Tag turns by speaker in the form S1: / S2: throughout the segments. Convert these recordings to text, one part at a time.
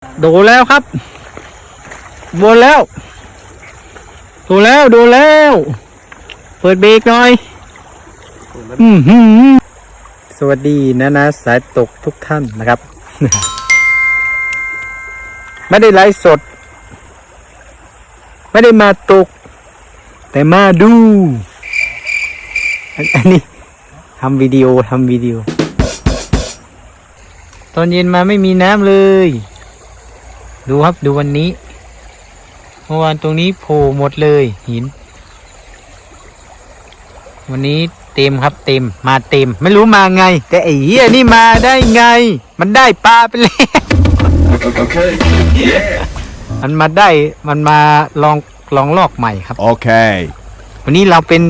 S1: โดนแล้วครับโดนแล้วโดนแล้วโดนแล้วเปิดเบรกหน่อยสวัสดีนะสายตกทุกท่านนะครับ ไม่ได้ไลฟ์สดไม่ได้มาตกแต่มาดูอันนี้ทำวิดีโอตอนเย็นมาไม่มีน้ำเลยดูครับดูวันนี้เมื่อวานตรงนี้โผล่หมดเลยหินวันนี้เต็มครับเต็มมาเต็มไม่รู้มาไงแต่ไอ้เหี้ยนี่มาได้ไงมันได้ปลาไปแล้ว มันมาได้มันมาลองลอกใหม่ครับโอเควันนี้เราเป็น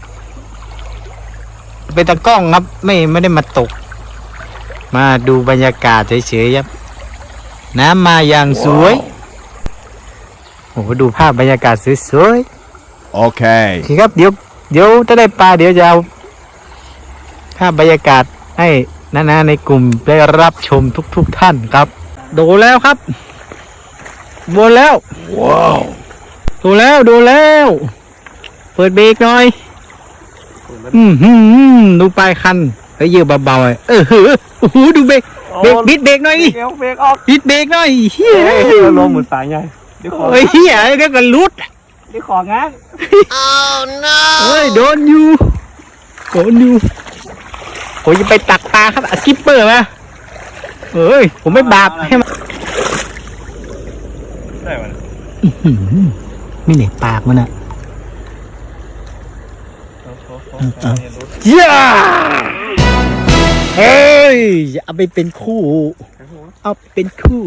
S1: ตากล้องครับไม่ได้มาตกมาดูบรรยากาศเฉยๆครับน้ำมาอย่างสวยโอ้โหดูภาพบรรยากาศสวยๆโอเคครับเดี๋ยวถ้าได้ปลาเดี๋ยวจะเอาภาพบรรยากาศให้นะในกลุ่มได้รับชมทุกท่านครับโดนแล้วครับโดนแล้วว้าวโดนแล้วเปิดเบรกหน่อยดูปลายคันเฮ้ยเยอะเบาๆโอ้โหดูเบรกบิดเบรกหน่อยดิเบรกออกบิดเบรกหน่อยเฮ้ย
S2: ลมเหมือนสายไง
S1: เดี๋ยวเฮียเดี๋ยวก็ลุด
S2: เดี๋ยวของงั้น
S1: เฮ้ยโดนอยู่โอ้ยจะไปตักปลาครับสกิปเปอร์มาเฮ้ยผมไม่บาปให้มัน
S2: ได้มัน
S1: ไม่เหน็บปากมันอ่ะย่าเฮ้ยเอาไปเป็นคู่เอาเป็นคู่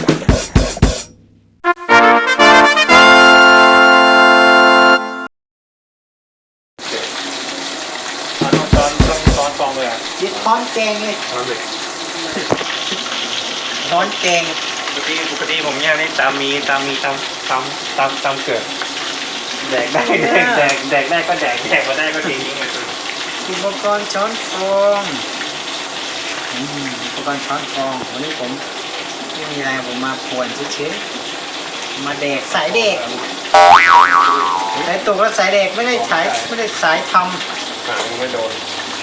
S2: ตอนฟองเลยอ่ะ
S1: ยึดช้อนแกงเลยช้อนแกง
S2: ปกติผมเนี่ยนี่ตามเกิดแดกได้ก็แดกมาได้ก็ทิ้ง
S1: อุปกรณ์ช้อนฟองอุปกรณ์ช้อนฟองวันนี้ผมไม่มีอะไรผมมาป่วนเฉยๆมาแดกสายเด็กสายตกแล้วสายเด็กไม่ได้สายทำ
S2: ไม่โดน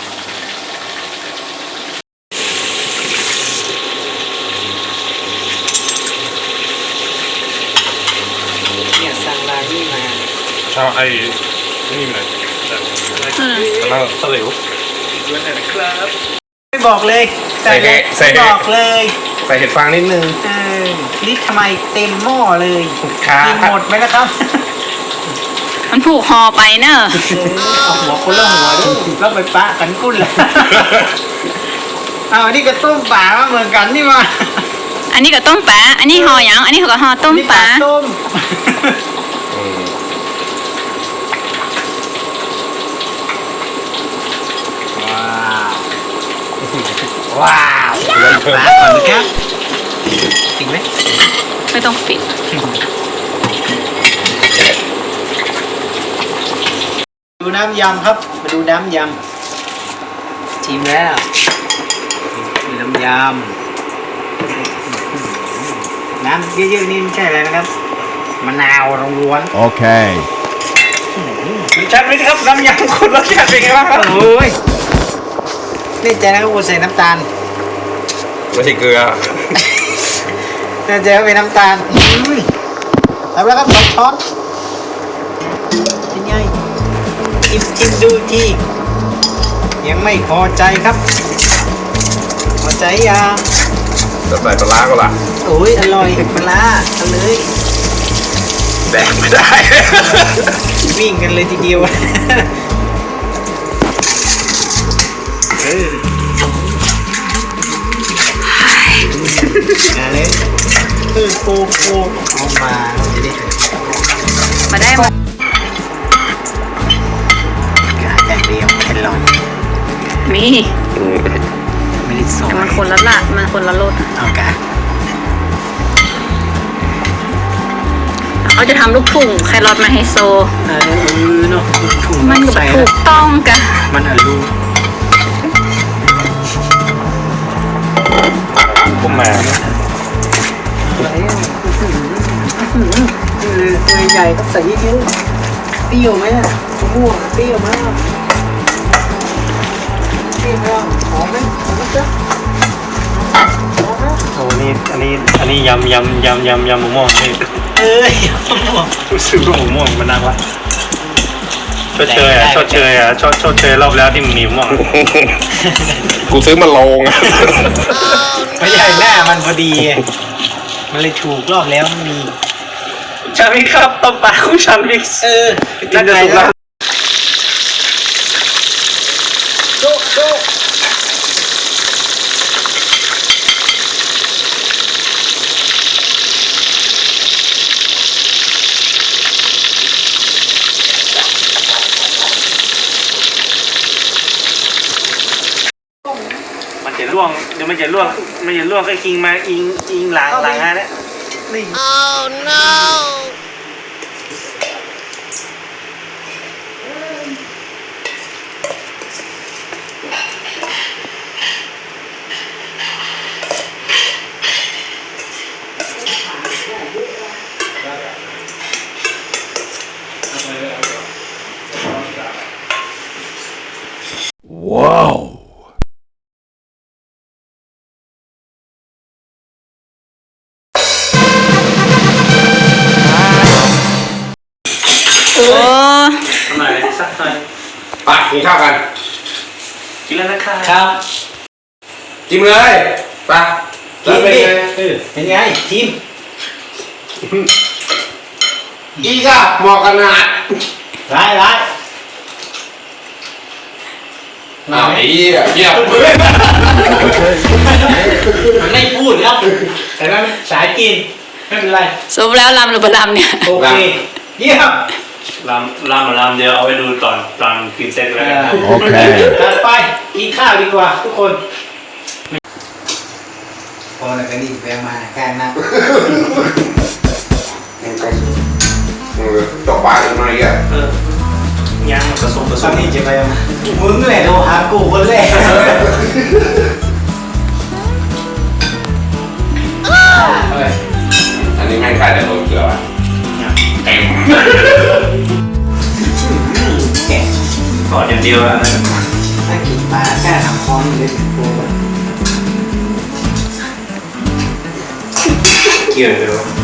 S1: เนี่ยสั่งลายนี่มา
S2: ชอบไอ้นี่มันแล้วตะหลิวด้วยนะครับ
S1: ไม่บอกเลยบอกเลย
S2: ใส่เห็ดฟางนิดนึง
S1: นี่ทำไมเต็มหม้อเลยกินหมดไหมนะครับ
S3: มันผูกคอไปเนอะ
S1: เอาหัวคนละหัวด้วยแล้วไปปะกันกุ้นเลยเอาอันนี้ก็ต้มปลาเหมือนกันนี่มา
S3: อันนี้ก็ต้มปลาอันนี้ห่อยังอันนี้ก็ห่อต้มปลา
S1: ต้มว้าวปลาก่อนนะครับจริงไหม
S3: ไม่ต้องปิด
S1: ดูน้ำยำครับมาดูน้ำยำชิมแล้วน้ำยำน้ำเยอะๆนี่ไม่ใช่อะไรนะครับมะนาวล้วนโอเค
S2: ชัดไหมครับน้ำยำคนรสชาติเป็นไงบ้างครับ
S1: โอ้ยนี่ใจนะครับกูใส่น้ำตาล
S2: ไม่ใช่เกลือ
S1: นี่ใจว่าเป็นน้ำตาลแล้วครับ2 ช้อนเป็นไงชิมดูทียังไม่พอใจครับพอใจยัง
S2: จะใส่ปลาก็ล่ะ
S1: โอ้ยอร่อยปลาเอาเลย
S2: แดกไม่ได้
S1: วิ่งกันเลยทีเดียวมาเลยโกเอามาจะได้
S3: มาได้
S1: มาอย่างเดียวแค่ลอง
S3: มี
S1: ไม่ได้สอน
S3: มันคนละละมันคนละรส
S1: เอากะ
S3: เขาจะทำลูกถุงแครอทมาให้โซ
S1: เนาะถุง
S3: มันถูกต้องกัน
S1: มันลู
S2: ผมมา
S1: ตัวใหญ่ต้องใส่เยอะๆเปรี้ยวไหมอ่ะมะม่วงเปรี้ยวไหมเปรี้ยวไหมหอมไหมหอมไหมจ๊ะหอมไหม
S2: โอ้นี่อันนี้ยำมะม่วงนี่
S1: เอ้ยมะม่วง
S2: รู้สึกว่ามะม่วงมันน่ารักชดเชยรอบแล้วที่มันมีมะม่วง
S4: กูซื้อมาลง
S1: ไม่ใช่หน้ามันพอดีไงมันเลยถูกรอบแล้วมันมี
S2: ฉันไม่ครับต้มปลาของฉันมิกซ์น่าจะถูกแล้ว
S1: โจ๊ะโจ๊ะ
S2: มันจะล่วงเดี๋ยวมันจะล่วงก็กิงมาอิงหลังฮะเนี่ยนี่
S3: โอ้
S2: หน่อยสักหน่อย
S4: ไปกินข้าวกัน
S2: กินแล้วนะคะ
S1: ครับ
S4: กินเลยไปแล้วเป็นไง
S1: เป็นไงทีม
S4: อีกอะเหมาะกันนาด
S1: ร้าย
S4: อ้าวไอ้เหี้ยเงียบ
S1: มันไม่พูดแล้วแต่ว่ามันสายกินไม่เป็นไร
S3: สมแล้วลำหรือบะลำเนี่ย
S1: โอเคเยี่ยม
S2: ลำเดียวเอาไว้ดูตอนกินเสร็จแล้วกัน
S1: โอเคถัดไปกินข้าวดีกว่าทุกคนพอแล้วก็นี่แปลมาแค่นั้น
S4: ตกปลากันมาอีกอะ
S2: ยังผสม
S1: ตอนนี้จะไปมึงแหละโทรหากูคนแรก
S4: อันนี้แม่งใครแต่โดนเกลือวะเต็ม
S1: แกะ
S2: ก่อนอย่างเดียวอะนะ
S1: ถ้ากินปลาแค่ทำคอนเลยกู
S2: เกี่ยวเดียว